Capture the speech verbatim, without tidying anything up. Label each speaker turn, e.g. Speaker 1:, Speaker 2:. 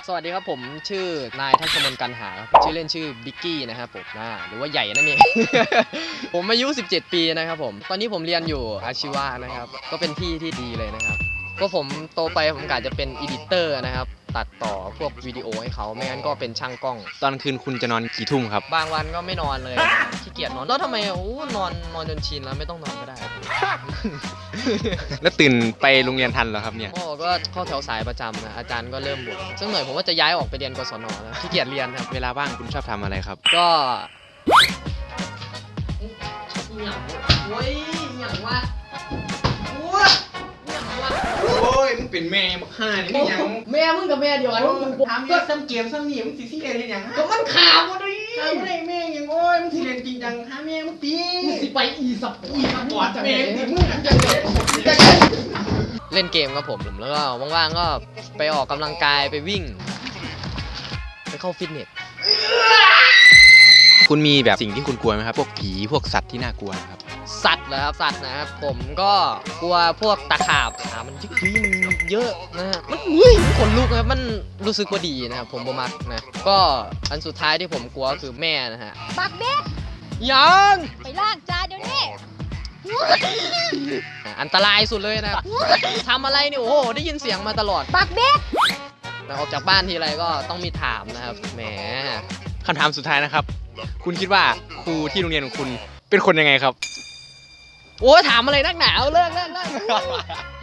Speaker 1: สวัสดีครับผมชื่อนายทัศมนต์กันหาชื่อเล่นชื่อบิ๊กกี้นะครับผมหรือว่าใหญ่นั่นเอง ผมอายุสิบเจ็ดปีนะครับผมตอนนี้ผมเรียนอยู่อาชีวะนะครับก็เป็นที่ที่ดีเลยนะครับก็ผมโตไปผมกะจะเป็นอีดิเตอร์นะครับตัดต่อพวกวิดีโอให้เขาไม่งั้นก็เป็นช่างกล้อง
Speaker 2: ตอนคืนคุณจะนอนกี่ทุ่มครับ
Speaker 1: บางวันก็ไม่นอนเลยขี้เกียจนอนแล้วทำไมโอ้นอนนอนจนชินแล้วไม่ต้องนอนก็ได้
Speaker 2: แล้วตื่นไปโรงเรียนทันเหรอครับเนี่ย
Speaker 1: โอ้ก็เข้าแถวสายประจำนะอาจารย์ก็เริ่มบ่นสักหน่อยผมว่าจะย้ายออกไปเรียนกศนแล้วขี้เกียจเรียนครับ
Speaker 2: เวลาว่างคุณชอบทำอะไรครับ
Speaker 1: ก็โอ้ยอย่างว่าโอ้ยอย่างว่า
Speaker 2: โอ้ยมึงเป็นแม่บักห่านี่ยัง
Speaker 1: แม่มึงกับแม่เดียวกัน
Speaker 2: ถามก็ซ้ำเกมซ้ำนี่มึงสิสิเล่นยัง
Speaker 1: ก็มันข่าวดิ
Speaker 2: ถามอะไรแม่ยังโอ้ยมึงสิเล่นจริงจังหาแม่มึงตี
Speaker 1: มึงสิไปอีสับอีสับปอด
Speaker 2: แม่มึงจะเล่น
Speaker 1: เล่นเกมครับผมแล้วก็ว่างๆก็ไปออกกำลังกายไปวิ่งไปเข้าฟิตเนส
Speaker 2: คุณมีแบบสิ่งที่คุณกลัวไหมครับพวกผีพวกสัตว์ที่น่ากลัวครับ
Speaker 1: สัตว์เหรอครับสัตว์นะครับผมก็กลัวพวกตะขาบขามันยึกยึมันเยอะนะฮะมันอุ้ยขนลุกนะมันรู้สึกว่าดีนะครับผมบ่มักนะก็อันสุดท้ายที่ผมกลัวคือแม่นะฮะ
Speaker 3: ปักเบ็ด
Speaker 1: ยัง
Speaker 3: ไปล้างจานเดี๋ยวนี้
Speaker 1: อันตรายสุดเลยนะทำอะไรเนี่ยโอ้โหได้ยินเสียงมาตลอด
Speaker 3: ปักเบ็ด
Speaker 1: ออกจากบ้านทีไรก็ต้องมีถามนะครับแหม
Speaker 2: คำถามสุดท้ายนะครับคุณคิดว่าครูที่โรงเรียนของคุณเป็นคนยังไงครับ
Speaker 1: โอ้ถามอะไรนักหนาวเลิกเลิกเลิก